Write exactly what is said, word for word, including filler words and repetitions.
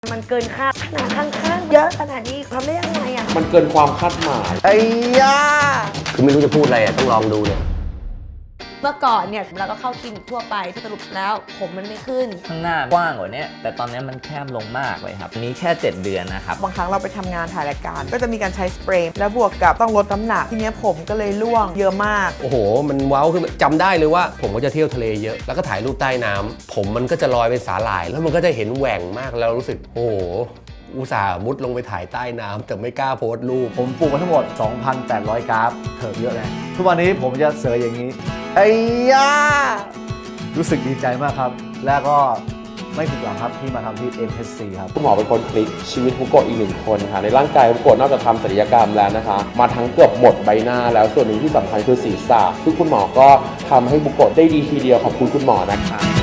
มันเกินคาดขนาดข้างๆเยอะขนาดนี้ทำได้ยังไงอ่ะมันเกินความคาดหมายไอ้ยาคือไม่รู้จะพูดอะไรอ่ะต้องลองดูเนี่ยเมื่อก่อนเนี่ยเราก็เข้าคลินิกทั่วไปที่สรุปแล้วผมมันไม่ขึ้นข้างหน้ากว้างกว่านี้แต่ตอนนี้มันแคบลงมากเลยครับนี้แค่เจ็ดเดือนนะครับบางครั้งเราไปทำงานถ่ายรายการก็จะมีการใช้สเปรย์แล้วบวกกับต้องลดน้ำหนักทีนี้ผมก็เลยร่วงเยอะมากโอ้โหมันว้าวคือจำได้เลยว่าผมก็จะเที่ยวทะเลเยอะแล้วก็ถ่ายรูปใต้น้ำผมมันก็จะลอยเป็นสาหร่ายแล้วมันก็จะเห็นแหว่งมากแล้วรู้สึกโอ้โหอุตส่าห์มุดลงไปถ่ายใต้น้ำแต่ไม่กล้าโพสต์รูปผมปลูกมาทั้งหมด สองพันแปดร้อย กราฟเถิบเยอะเลยทุกวันนี้ผมจะเสยอย่างนี้ไอ้ยารู้สึกดีใจมากครับ แล้วก็ไม่ผิดหวังครับที่มาทำที่ เอ็ม เอช ซี ครับคุณหมอเป็นคนพลิกชีวิตฮุโกะอีกหนึ่งคนค่ะในร่างกายฮุโกะนอกจากทำศัลยกรรมแล้วนะคะมาทั้งเกือบหมดใบหน้าแล้วส่วนหนึ่งที่สำคัญคือศีรษะซึ่งคุณหมอก็ทำให้ฮุโกะได้ดีทีเดียวขอบคุณคุณหมอนะคะ